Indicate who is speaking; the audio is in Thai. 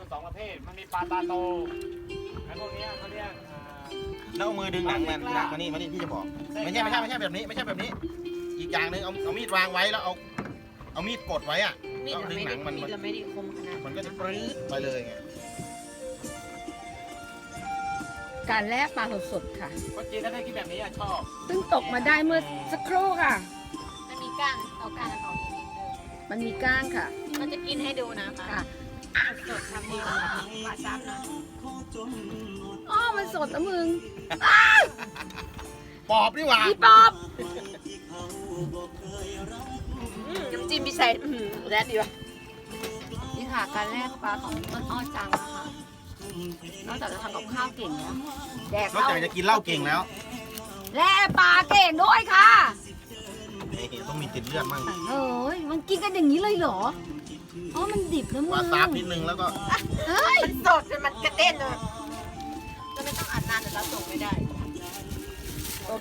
Speaker 1: สองประเภทมันมีปลาตาโตไอ้พวกนี้เขาเรียก
Speaker 2: แล้วเอามือดึงหนังมันมานี่พี่จะบอกไม่ใช่แบบนี้ไม่ใช่แบบนี้อีกอย่างหนึ่งเอามีดวางไว้แล้วเอามีดกดไว้อะ
Speaker 3: มีด
Speaker 2: แล้วดึงหนังมัน
Speaker 3: เราไม่ได้คมขนาด
Speaker 2: มันก็จะปรื้ดไปเลยไง
Speaker 4: การแล่ปลาสดๆค่ะ
Speaker 1: คนจีนถ้าได้กินแบบนี้ชอบ
Speaker 4: ซึ่งตกมาได้เมื่อสักครู่ค่ะ
Speaker 3: มันมีก้างเอาก้างออกนิดนึง
Speaker 4: มันมีก้างค่ะ
Speaker 3: มันจะกินให้ดูนะคะ
Speaker 4: ค่ะ
Speaker 3: สดทำดีปลาซับนะ
Speaker 4: อ๋อมันสดนะมึง
Speaker 2: ปอบนี่หว่า
Speaker 4: พี่ป๊อบ
Speaker 3: น้ำจิ้มพิเศษแร่ดีว่ะนี่ค่ะการแล่ปลาของต้นอ้อจังนะคะนอกจากจะทำกับข้าวเก่งแล้วแดก
Speaker 2: นอกจากจะกินเหล้าเก่งแล้ว
Speaker 4: แล่ปลาเก่งด้วยค่ะ
Speaker 2: ต้องมีติดเลือดมั่ง
Speaker 4: เอ้ยมันกินกันอย่างนี้เลยเหรออ๋อมันดิบนะมึง
Speaker 2: วาซาบนิดนึงแล้วก็
Speaker 4: เฮ้ย
Speaker 3: มันสดมันกระเด็นเลยจะไม่ต้องอัดนานเดี๋ยวเราส่งไม่ได้